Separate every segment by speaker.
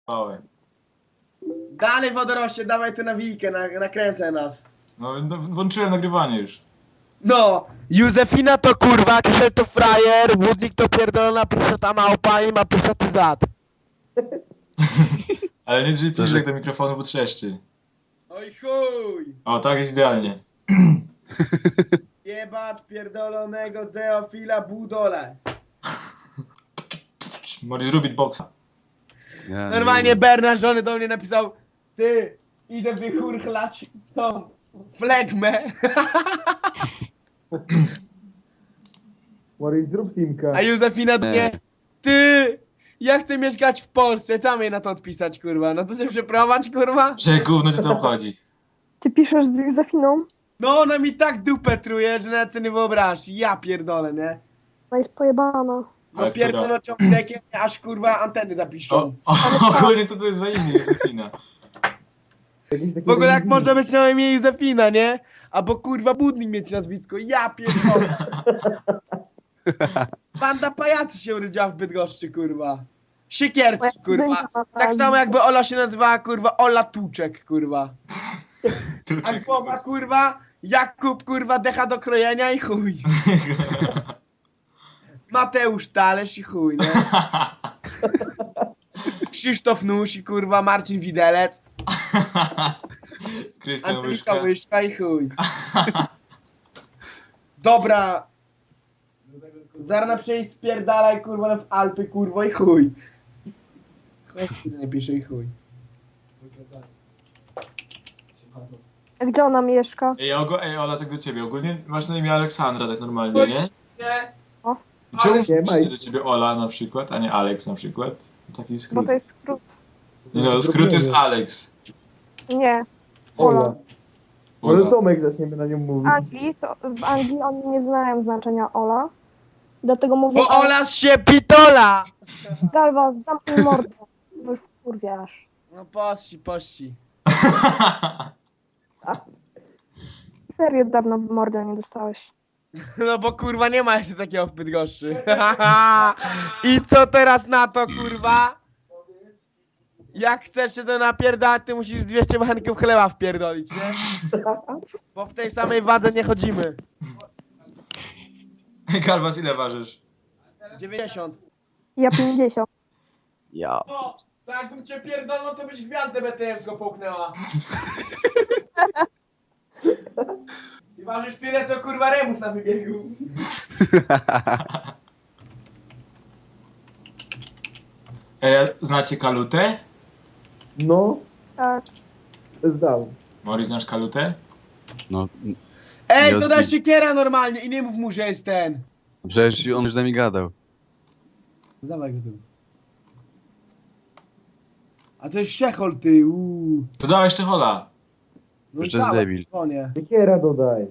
Speaker 1: Pałę.
Speaker 2: Dalej wodoroście, dawaj tu nawijkę, nakręcaj nas.
Speaker 1: No, włączyłem nagrywanie już.
Speaker 2: No,
Speaker 3: Józefina to kurwa, Krzysztof to frajer, Wódnik to pierdolona ta małpa i ma ty zad.
Speaker 1: Ale nie drzwi bliżej do mikrofonu, bo trzeszczy.
Speaker 2: oj chuj.
Speaker 1: O, tak jest idealnie.
Speaker 2: Jebacz pierdolonego zeofila budole.
Speaker 1: Możesz robić boksa.
Speaker 4: Ja
Speaker 2: Normalnie Bernard żony do mnie napisał: ty, idę wychurchlać tą flegmę.
Speaker 5: Morris, zrób teamka.
Speaker 2: A Józefina do mnie: ty, ja chcę mieszkać w Polsce, co mnie na to odpisać, kurwa? No to się przeprowadź, kurwa.
Speaker 1: Że gówno cię to obchodzi.
Speaker 6: Ty piszesz z Józefiną?
Speaker 2: No ona mi tak dupę truje, że nawet sobie nie wyobrażasz. Ja pierdolę, nie?
Speaker 6: No jest pojebana.
Speaker 2: No
Speaker 1: Ale
Speaker 2: pierdolę ciągnikiem, aż kurwa anteny zapiszczą.
Speaker 1: Ogólnie co to jest za imię Józefina?
Speaker 2: W ogóle jak może być na imię Józefina, nie? Albo kurwa Budnik mieć nazwisko, ja pierdolę. Banda pajacy się urodziła w Bydgoszczy, kurwa. Siekierski, kurwa. Tak samo jakby Ola się nazywała, kurwa, Ola Tuczek, kurwa. A
Speaker 1: Tuczek.
Speaker 2: głowa, kurwa, Jakub, kurwa, decha do krojenia i chuj. Mateusz Talerz i chuj, nie? Krzysztof Nusi, kurwa, Marcin Widelec,
Speaker 1: Krystian
Speaker 2: Angelika
Speaker 1: Łyżka.
Speaker 2: Łyżka i chuj. Dobra. Zarna przejść spierdalaj, kurwa, w Alpy, kurwa, i chuj. Chuj, nie pisze i chuj.
Speaker 6: A gdzie ona mieszka?
Speaker 1: Ej, Ola, tak do ciebie. Ogólnie masz na imię Aleksandra, tak normalnie, nie?
Speaker 2: Nie?
Speaker 6: O.
Speaker 1: Czemu
Speaker 2: Ale-
Speaker 1: pisze do ciebie Ola na przykład, a nie Alex na przykład? Taki
Speaker 6: Bo
Speaker 1: skrót.
Speaker 6: to jest skrót.
Speaker 1: No, skrót jest Alex.
Speaker 6: Nie.
Speaker 5: Ola.
Speaker 6: Ola.
Speaker 5: Może
Speaker 1: Ola.
Speaker 5: Tomek zaczniemy na nią
Speaker 6: W
Speaker 5: mówić.
Speaker 6: Anglii, w Anglii oni nie znają znaczenia Ola. Dlatego mówię,
Speaker 2: Bo Ola się pitola!
Speaker 6: Galwa, zamknij mordę. Bo już wkurwiasz.
Speaker 2: No pości.
Speaker 6: Serio dawno w mordę nie dostałeś.
Speaker 2: No bo kurwa nie ma jeszcze takiego w Bydgoszczy. I co teraz na to, kurwa? Jak chcesz się to napierdać, ty musisz 200 bachenków chleba wpierdolić, nie? Bo w tej samej wadze nie chodzimy.
Speaker 1: Galwas, ile ważysz?
Speaker 2: 90.
Speaker 6: Ja 50.
Speaker 4: Ja.
Speaker 2: O, to jakbym cię pierdolnął, to byś gwiazdę BTM-ską połknęła. I ważysz tyle, co kurwa Remus na wybiegu.
Speaker 1: Znacie Kalutę?
Speaker 5: No,
Speaker 6: Tak.
Speaker 5: zdał.
Speaker 1: Mori, znasz Kalutę?
Speaker 4: No,
Speaker 2: Ej,
Speaker 4: Nie
Speaker 2: to da
Speaker 4: odbić.
Speaker 2: siekiera normalnie i nie mów mu, że jest ten.
Speaker 4: przecież on już z nami gadał.
Speaker 2: Dawaj go tu. A to jest Czechol, ty,
Speaker 1: Dodałeś jeszcze Hola.
Speaker 2: No
Speaker 4: Jeszcze jest
Speaker 2: dawaj,
Speaker 4: debil.
Speaker 2: dzwonię.
Speaker 5: Siekiera dodaj.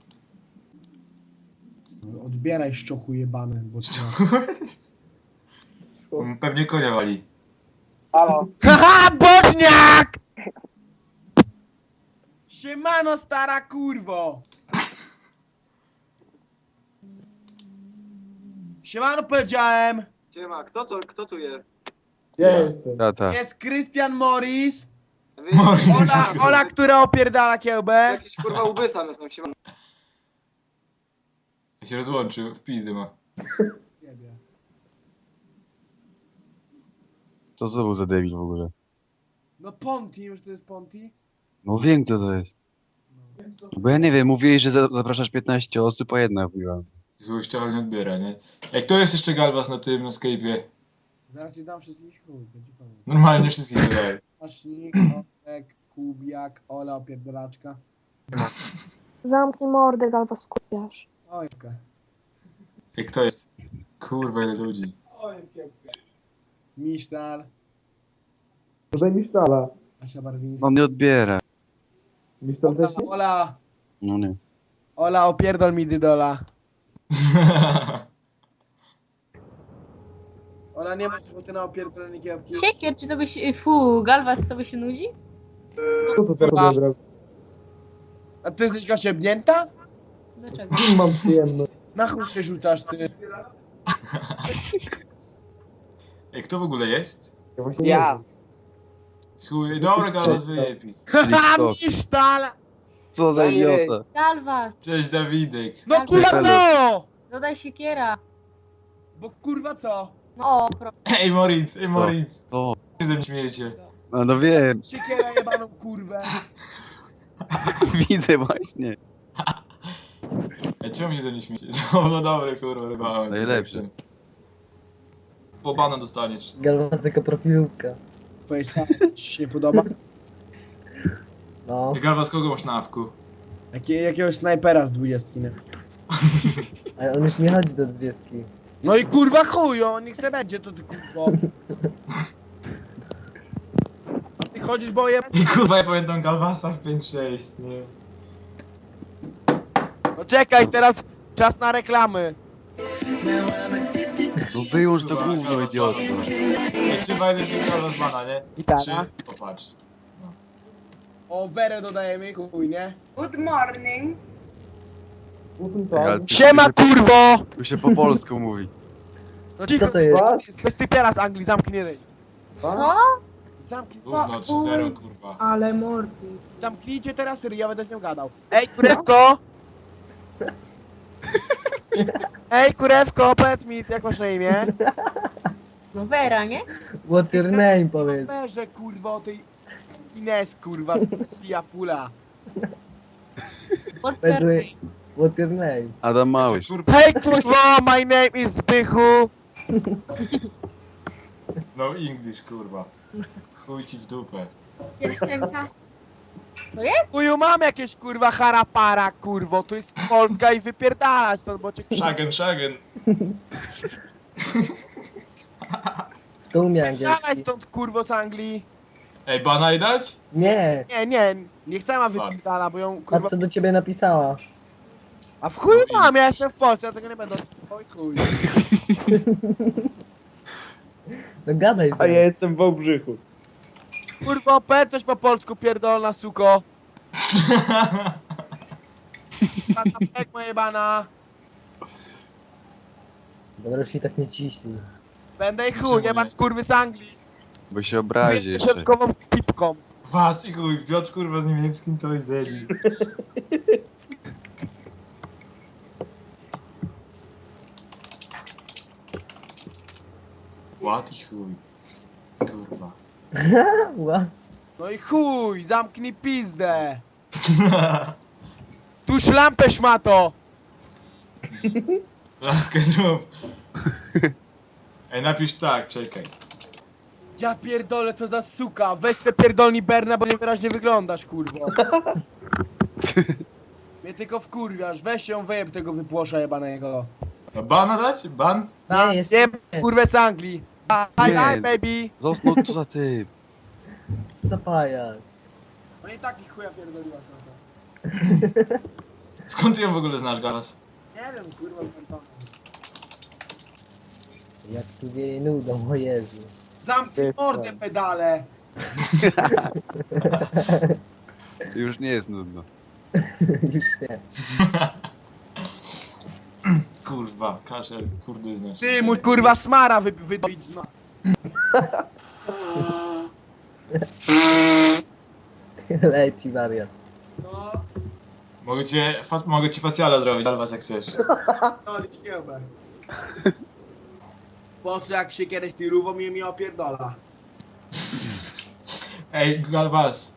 Speaker 2: Odbieraj szczochu jebane, bo
Speaker 1: Pewnie konia wali.
Speaker 2: Haha, boczniak! Siemano, stara kurwo! Siemano, powiedziałem!
Speaker 7: Siema, kto tu jest?
Speaker 5: Ja
Speaker 1: Ja.
Speaker 5: jestem.
Speaker 4: Tata.
Speaker 2: Jest Krystian Morris,
Speaker 1: Morris.
Speaker 2: Ola, która opierdala kiełbę.
Speaker 7: Jakiś kurwa ubyca mnie tam siema.
Speaker 1: Ja się rozłączył, w pizdy ma.
Speaker 4: Co to był za debil w ogóle?
Speaker 2: No Ponti, już to jest Ponti?
Speaker 4: No wiem kto to jest. Bo ja nie wiem, mówiłeś, że zapraszasz 15 osób, a jedna mówiła.
Speaker 1: Już trochę nie odbiera, nie? Ej, kto jest jeszcze Galwas na tym, na Skype'ie?
Speaker 2: Zaraz ci dam wszystkich chuj, będzie powiem.
Speaker 1: Normalnie wszystkich dodaj.
Speaker 2: Asznik, Olek, Kubiak, Ola opierdalaczka.
Speaker 6: Zamknij mordę, Galwa, wkurwiasz.
Speaker 2: Ojka.
Speaker 1: Ej, kto jest? Kurwa, ile ludzi.
Speaker 2: Misztal,
Speaker 5: Dodaj mi sztala.
Speaker 2: Asia Barwińska.
Speaker 4: On nie odbiera.
Speaker 5: Misz tam też nie?
Speaker 2: Ola,
Speaker 4: No nie.
Speaker 2: Ola, opierdol mi dydola. Ola, nie masz ochoty na opierdolenie kiełbki?
Speaker 8: Siekier, czy to by się... Galwas, to by się nudzi?
Speaker 5: Co to teraz
Speaker 2: Kurwa.
Speaker 5: odebrał?
Speaker 2: A ty jesteś osiebnięta?
Speaker 8: Dlaczego?
Speaker 5: Kim mam przyjemność?
Speaker 2: Na chuj się rzucasz, ty.
Speaker 1: Ej, kto w ogóle jest?
Speaker 5: Ja właśnie
Speaker 2: Ja.
Speaker 5: nie wiem.
Speaker 1: Chuj, dobra, Galwas wyjebi.
Speaker 4: Czyli
Speaker 2: Haha,
Speaker 4: kto?
Speaker 2: Misztal!
Speaker 4: Co za idiota.
Speaker 8: Galwas,
Speaker 1: Cześć, Dawidek.
Speaker 2: No
Speaker 8: Tak,
Speaker 2: kurwa
Speaker 4: tak.
Speaker 2: co?
Speaker 8: dodaj siekiera.
Speaker 2: Bo kurwa co?
Speaker 8: No,
Speaker 1: Ej, Moritz.
Speaker 4: To.
Speaker 1: Co ze mnie śmiejecie?
Speaker 4: No wiem,
Speaker 2: Siekiera jebaną kurwę.
Speaker 4: widzę właśnie.
Speaker 1: Ej, czemu się ze mnie śmiejecie? No dobre, kurwa, rybałem.
Speaker 4: Najlepsze.
Speaker 1: Po bana dostaniesz.
Speaker 5: Galwas jako profilówka.
Speaker 2: Powiedz, ci się nie podoba?
Speaker 5: No,
Speaker 1: Ej, Galwas, kogo masz na awku?
Speaker 2: Jakiegoś snajpera z 20, nie?
Speaker 5: ale on już nie chodzi do 20.
Speaker 2: No i kurwa chuj, on niech se będzie, to ty kurwo. A ty chodzisz, bo je...
Speaker 1: I kurwa, ja pamiętam Galwasa w 5-6, nie?
Speaker 2: No czekaj, teraz czas na reklamy.
Speaker 4: No wyłącz to gówno, idioto.
Speaker 1: Ej, 3-1 Galwas bana, nie?
Speaker 2: Gitara.
Speaker 1: 3, popatrz.
Speaker 2: O, werę dodajemy, chuj, nie?
Speaker 8: Good morning.
Speaker 4: Ale tu
Speaker 2: Siema
Speaker 4: się-
Speaker 2: kurwo!
Speaker 4: Tu się po polsku mówi.
Speaker 2: No cicho,
Speaker 5: Co to jest?
Speaker 2: to jest typiara z Anglii, zamknij ryj.
Speaker 8: Co?
Speaker 2: Zamknij,
Speaker 1: Gówno 3-0, kurwa.
Speaker 8: Ale mordy.
Speaker 2: zamknijcie teraz ryj, ja będę z nią gadał. Ej, kurewko! Ej, kurewko, powiedz mi, jak masz na imię?
Speaker 8: No Vera, nie?
Speaker 5: What's your name, powiedz.
Speaker 2: Berze, kurwa, o tej Ines, kurwa, Sia Pula.
Speaker 8: What's
Speaker 5: By the
Speaker 8: her
Speaker 5: way, what's your name?
Speaker 4: Adam Małysz.
Speaker 1: Kurwa,
Speaker 2: Hej, kurwa, my name is Zbychu.
Speaker 1: no English, kurwa. Chuj ci w dupę.
Speaker 8: Jestem Co jest?
Speaker 2: Chuju, mam jakieś, kurwa, harapara, kurwo, to jest Polska i wypierdalać stąd, bo cię...
Speaker 1: Shagen.
Speaker 5: To umie
Speaker 2: Wypierdalaj
Speaker 5: angielski.
Speaker 2: stąd, kurwo, z Anglii.
Speaker 1: Ej, bana i dać?
Speaker 5: Nie,
Speaker 2: Nie, niech sama wypierdala, bo ją,
Speaker 5: a
Speaker 2: kurwa...
Speaker 5: co do ciebie napisała?
Speaker 2: A w chuju mam, ja jestem w Polsce, ja tego nie będę... Oj chuj.
Speaker 5: No gadaj z
Speaker 3: A ja
Speaker 5: nią.
Speaker 3: jestem w Wałbrzychu.
Speaker 2: Kurwa, powiedz coś po polsku, pierdolona suko. Tata pekmo jebana.
Speaker 5: Dobra, już i tak nie ciśnij.
Speaker 2: Będę i
Speaker 1: Czemu
Speaker 2: chuj,
Speaker 1: nie?
Speaker 2: jebać kurwy z Anglii.
Speaker 4: Bo się obrazi jeszcze.
Speaker 2: Środkową pipką.
Speaker 1: Was i chuj, Piotr kurwa z niemieckim to jest debil. What i chuj. Kurwa.
Speaker 5: Ła.
Speaker 2: No i chuj, zamknij pizdę. Tuż lampę szmato.
Speaker 1: Laskę zrób. Ej, napisz tak, czekaj.
Speaker 2: Ja pierdolę, co za suka. Weź se pierdolni Berna, bo niewyraźnie wyglądasz, kurwo. Mnie tylko wkurwiasz, weź ją wyjeb tego wypłosza jebanego.
Speaker 1: No bana dać? Ban?
Speaker 5: Nie, jest
Speaker 2: Wiem, kurwę z Anglii. Hi,
Speaker 4: Nie.
Speaker 2: hi, baby.
Speaker 4: Został co za ty.
Speaker 5: zapajasz.
Speaker 2: No i taki chuja pierdoliła trochę.
Speaker 1: Skąd ty ją w ogóle znasz, Galas?
Speaker 2: Nie wiem, kurwa, pamiętam.
Speaker 5: Jak tu wieje nudą, o Jezu.
Speaker 2: Zamknij mordę, pedale.
Speaker 4: Już nie jest nudno.
Speaker 5: Już nie.
Speaker 1: Kurwa, kaszel, kurde znasz.
Speaker 2: Ty, mój kurwa smara wydoić. No.
Speaker 5: Leci wariat.
Speaker 2: No,
Speaker 1: Mogę ci facjala zrobić, Galwas jak chcesz.
Speaker 2: dolić kiełbę. Po co jak się kiedyś tirówą mi opierdola?
Speaker 1: Ej, Galwas.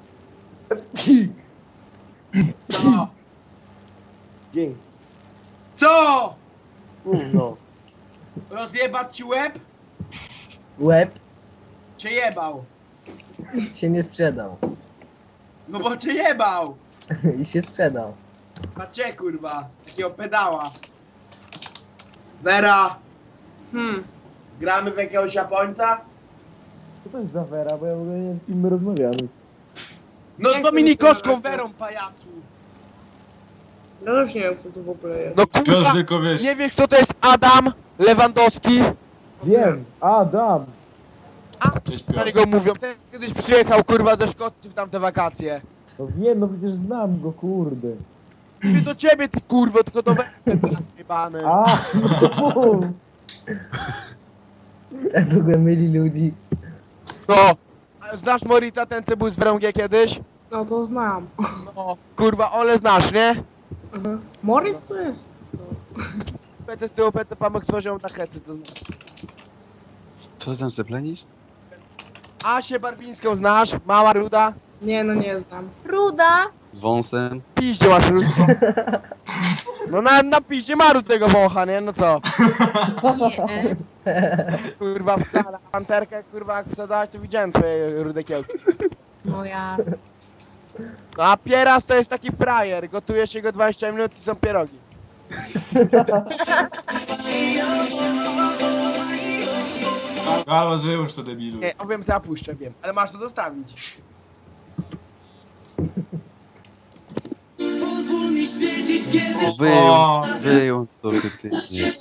Speaker 2: Co?
Speaker 3: Dzięki.
Speaker 2: Co?
Speaker 3: No.
Speaker 2: Rozjebać ci łeb?
Speaker 5: Łeb
Speaker 2: Cię jebał.
Speaker 5: się nie sprzedał.
Speaker 2: No bo cię jebał.
Speaker 5: I się sprzedał.
Speaker 2: A cię kurwa, takiego pedała. Vera, gramy w jakiegoś Japońca?
Speaker 5: Co to jest za Wera, bo ja w ogóle nie wiem z kim my rozmawiamy.
Speaker 2: No z Dominikowską Werą, pajacu.
Speaker 9: No już nie wiem, kto to w ogóle jest.
Speaker 2: No
Speaker 1: Piotr
Speaker 2: kurwa,
Speaker 1: tylko wiesz.
Speaker 2: nie wiesz kto to jest Adam Lewandowski?
Speaker 5: Wiem, Adam.
Speaker 1: Cześć
Speaker 2: Na
Speaker 1: Piotr.
Speaker 2: niego mówią. Ten kiedyś przyjechał kurwa ze Szkocji w tamte wakacje.
Speaker 5: No wiem, no przecież znam go, kurde.
Speaker 2: Nie do ciebie ty kurwo, tylko do Wery jebany.
Speaker 5: A, w ogóle myli ludzi.
Speaker 2: No. A znasz Morita, ten co był z Wrągie kiedyś?
Speaker 9: No to znam.
Speaker 2: No, kurwa, Ole znasz, nie?
Speaker 9: Aha. Morris to jest?
Speaker 2: PT z tyłu, PT pamek tworzył na hecy, to znasz.
Speaker 4: Co ty tam zeplenisz?
Speaker 2: Asię Barbińską znasz? Mała ruda?
Speaker 9: Nie, no nie znam.
Speaker 8: Ruda.
Speaker 4: Z wąsem?
Speaker 2: Piździe masz rudę. No na piździe maru tego wącha, nie? No co?
Speaker 8: Nie.
Speaker 2: Kurwa, wcale. Panterkę, kurwa, jak wsadzałaś, to widziałem twoje rude kiełki.
Speaker 8: No jasne.
Speaker 2: No a Pieras to jest taki frajer. Gotuje się go 20 minut i są pierogi.
Speaker 1: Galwas, wyłącz to, debilu.
Speaker 2: Nie, wiem co ja puszczę, wiem. Ale masz to zostawić.
Speaker 4: Wyjął to ty. Nie.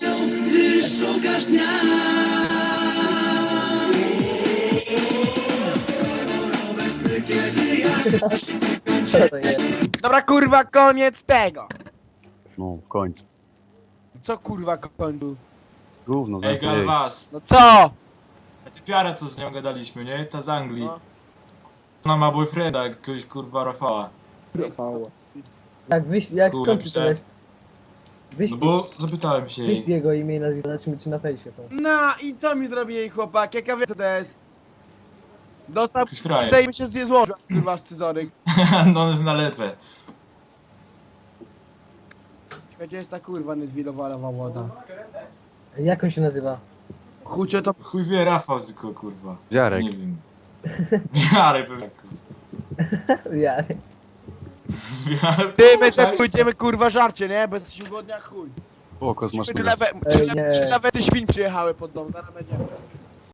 Speaker 5: Co to jest?
Speaker 2: Dobra, kurwa, koniec tego.
Speaker 4: No, w końcu.
Speaker 2: Co kurwa końcu?
Speaker 4: Gówno,
Speaker 1: Ej,
Speaker 4: zamknij.
Speaker 1: Galwas.
Speaker 2: No co?
Speaker 1: A ty piara, co z nią gadaliśmy, nie? Ta z Anglii.
Speaker 2: No.
Speaker 1: Ona ma boyfrienda, jakiegoś kurwa Rafała.
Speaker 5: Rafał. Jak
Speaker 1: Kurwa,
Speaker 5: skąd pisałeś? Wyś,
Speaker 1: No bo zapytałem się
Speaker 5: wyś
Speaker 1: jej.
Speaker 5: jego imię i nazwisko, zobaczymy czy na fejsie są.
Speaker 2: No i co mi zrobi jej chłopak? Jaka wie co to jest? Dostał
Speaker 1: Jakiś frajer.
Speaker 2: zdejmie się z złożył, kurwa, scyzoryk.
Speaker 1: No on jest na lepę.
Speaker 2: Gdzie jest ta kurwa niezwilowalowa łoda?
Speaker 5: Jak on się nazywa?
Speaker 2: Chucie to...
Speaker 1: Chuj wie, Rafał tylko kurwa.
Speaker 4: Jarek.
Speaker 1: Nie wiem. Jarek pewnie kurwa.
Speaker 5: Jarek.
Speaker 2: Ty, my tak pójdziemy kurwa żarcie, nie? Bo jesteśmy głodni jak chuj.
Speaker 4: O, kozmasz
Speaker 2: Trzy
Speaker 5: Ej, nie.
Speaker 2: lawety świń przyjechały pod dom, zaraz będziemy.